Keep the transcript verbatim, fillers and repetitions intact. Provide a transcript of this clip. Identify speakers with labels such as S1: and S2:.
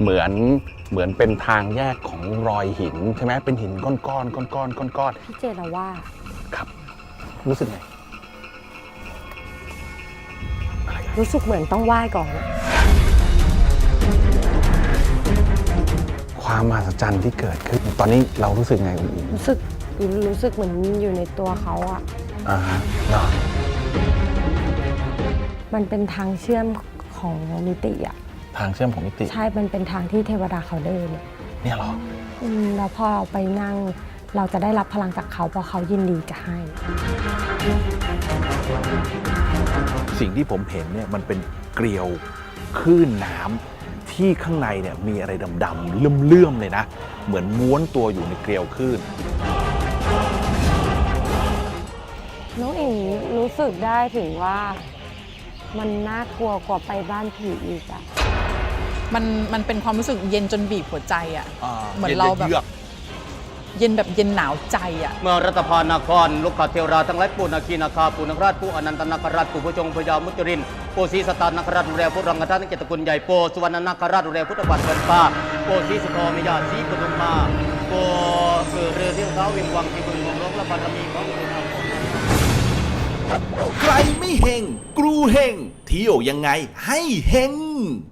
S1: เหมือนเหมือนเป็นทางแยกของรอยหินใช่ไหมเป็นหินก้อนก้อนก้อนก้อนก้อนก้อน
S2: พี่เจเราว่า
S1: ครับ รู้สึกไง
S2: รู้สึกเหมือนต้องไหว้ก่อน
S1: ความมหัศจรรย์ที่เกิดขึ้น ตอนนี้เรารู้สึกไงคุณอิง
S2: รู้สึกรู้สึกเหมือนอยู่ในตัวเขาอะ
S1: อ่าฮะเหรอ
S2: มันเป็นทางเชื่อมของมิติอะ
S1: ทางเชื่อมของมิติ
S2: ใช่ มันเป็นทางที่เทวดาเขาเดินอะ
S1: เนี่ยเหรอ
S2: อืมแล้วพอเราไปนั่งเราจะได้รับพลังจากเขาเพราะเขายินดีจะให้
S3: สิ่งที่ผมเห็นเนี่ยมันเป็นเกลียวคลื่นน้ำที่ข้างในเนี่ยมีอะไรดำๆเลื่อมๆเลยนะ เหมือนม้วนตัวอยู่ในเกลียวคลื่น
S2: น้องเอ๋รู้สึกได้ถึงว่ามันน่ากลัวกว่าไปบ้านผีอีกอะ
S4: มันมันเป็นความรู้สึกเย็นจนบีบหัวใจอ่ะ
S3: อ่า
S4: เหมือนเราแบบ
S3: เย็นเยือก
S4: เย็นแบบเย็นหนาวใจอ่ะ
S5: เมื่อรัตภานครลูกขเทวราทั้งหลายปูนาคีนาคาปูนคราชผู้อนันตนาคราชผู้พระจงพญามุจรินโปสีสตานคราชดูแลผู้รังกท่านเกตกุลใหญ่โปสุวรรณนาคราชดูแลพุทธบัตรเกินป้าโปสีสุโธมยาสีปทุมมาโปเกิดเรือเที่ยวเท้าวิงวังที่บึงของร้องและบารมีของคุณธรรม
S6: ใครไม่เฮงกรูเฮงเที่ยวยังไงให้เฮง